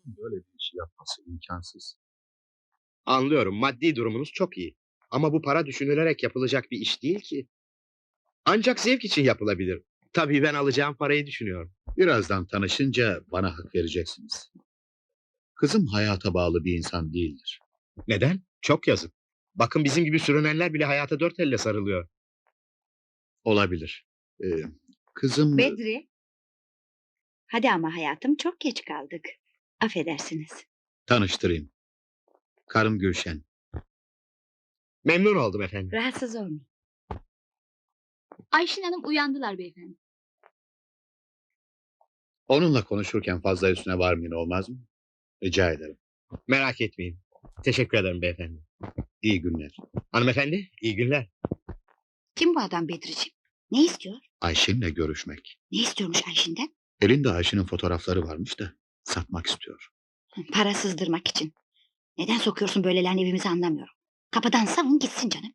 Rahat'ın böyle bir işi yapması imkansız. Anlıyorum, maddi durumunuz çok iyi. Ama bu para düşünülerek yapılacak bir iş değil ki. Ancak zevk için yapılabilir. Tabii ben alacağım parayı düşünüyorum. Birazdan tanışınca bana hak vereceksiniz. Kızım hayata bağlı bir insan değildir. Neden? Çok yazık. Bakın bizim gibi sürünenler bile hayata dört elle sarılıyor. Olabilir. Ee, kızım Bedri. Hadi ama hayatım, çok geç kaldık. Affedersiniz. tanıştırayım. Karım Gülşen. Memnun oldum efendim. Rahatsız olmayın. Ayşin Hanım uyandılar beyefendi. Onunla konuşurken fazla üstüne varmayın, olmaz mı? Rica ederim. Merak etmeyin. Teşekkür ederim beyefendi. İyi günler. Hanımefendi, iyi günler. Kim bu adam Bedriciğim? Ne istiyor? Ayşin'le görüşmek. Ne istiyormuş Ayşin'den? Elinde Ayşin'in fotoğrafları varmış da satmak istiyor. Para sızdırmak için. Neden sokuyorsun böylelerini evimize, anlamıyorum. Kapıdan savun gitsin canım.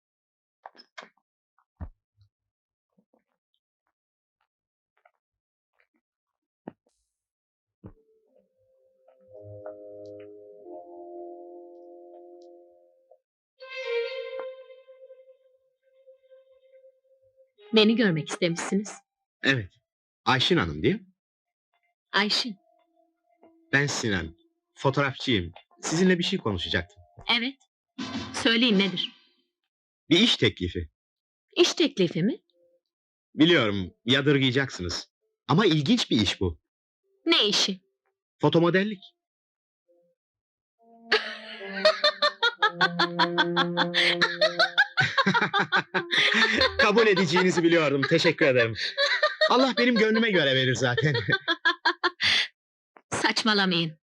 Beni görmek istemişsiniz. Evet. Ayşin Hanım değil mi? Ayşin. Ben Sinan. Fotoğrafçıyım. Sizinle bir şey konuşacaktım. Evet. Söyleyin, nedir? Bir iş teklifi. İş teklifi mi? Biliyorum, yadırgayacaksınız. Ama ilginç bir iş bu. Ne işi? Fotomodellik. Kabul edeceğinizi biliyordum. Teşekkür ederim. Allah benim gönlüme göre verir zaten. Saçmalamayın.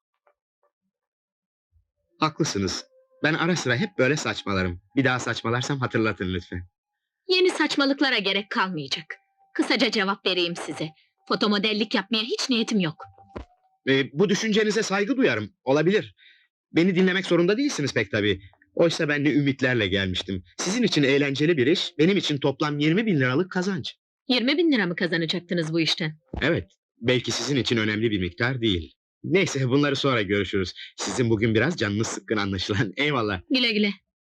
Haklısınız. Ben ara sıra hep böyle saçmalarım. Bir daha saçmalarsam hatırlatın lütfen. Yeni saçmalıklara gerek kalmayacak. Kısaca cevap vereyim size. Fotomodellik yapmaya hiç niyetim yok. Bu düşüncenize saygı duyarım. Olabilir. Beni dinlemek zorunda değilsiniz pek tabii. Oysa ben de ümitlerle gelmiştim. Sizin için eğlenceli bir iş, benim için toplam 20 bin liralık kazanç. 20 bin lira mı kazanacaktınız bu işten? Evet, belki sizin için önemli bir miktar değil. Neyse, bunları sonra görüşürüz. Sizin bugün biraz canınız sıkkın anlaşılan. Eyvallah. Güle güle.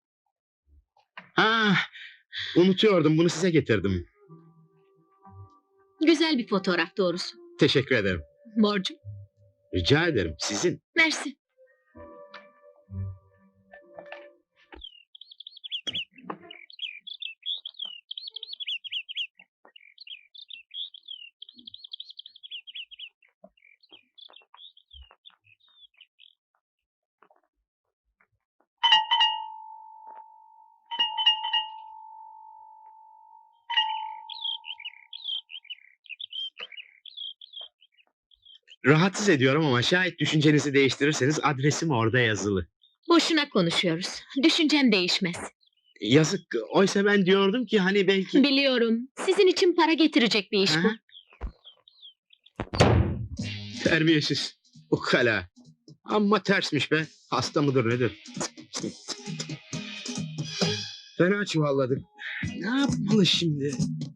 Ah, unutuyordum, bunu size getirdim. Güzel bir fotoğraf doğrusu. Teşekkür ederim. Borcum. Rica ederim, sizin. Mersi. Rahatsız ediyorum ama şayet düşüncenizi değiştirirseniz adresim orada yazılı. Boşuna konuşuyoruz. Düşüncem değişmez. Yazık, oysa ben diyordum ki hani belki... Biliyorum. Sizin için para getirecek bir iş bu. Ha? Terbiyesiz, ukala. Amma tersmiş be, hasta mıdır nedir? Fena çuvalladık. Ne yapmalı şimdi?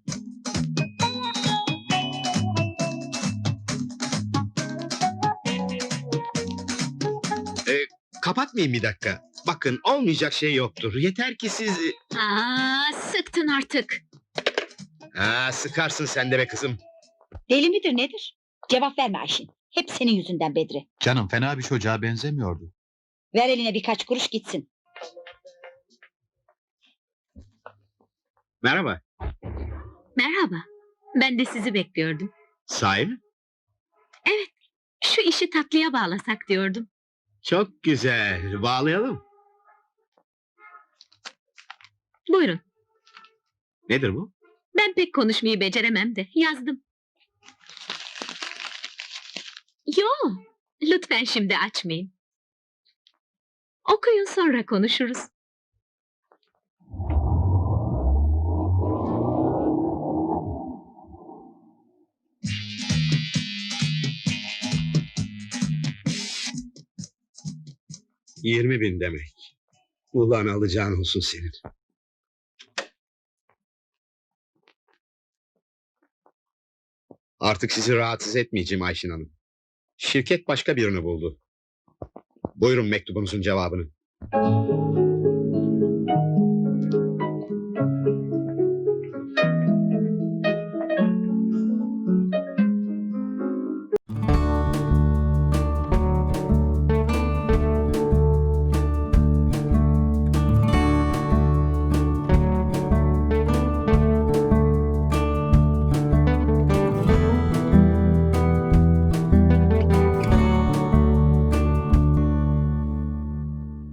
Kapatmayın bir dakika. Bakın, olmayacak şey yoktur. Yeter ki siz... Sıktın artık. Sıkarsın sen de be kızım. Deli midir nedir? Cevap verme Ayşin. Hep senin yüzünden Bedri. Canım fena bir çocuğa benzemiyordu. Ver eline birkaç kuruş gitsin. Merhaba. Merhaba. Ben de sizi bekliyordum. Sahi mi? Şu işi tatlıya bağlasak diyordum. Çok güzel. Bağlayalım. Buyurun. Nedir bu? Ben pek konuşmayı beceremem de yazdım. Yo, lütfen şimdi açmayın. Okuyun, sonra konuşuruz. ...20.000 demek. Ulan alacağın olsun senin. Artık sizi rahatsız etmeyeceğim Ayşin Hanım. şirket başka birini buldu. Buyurun mektubunuzun cevabını.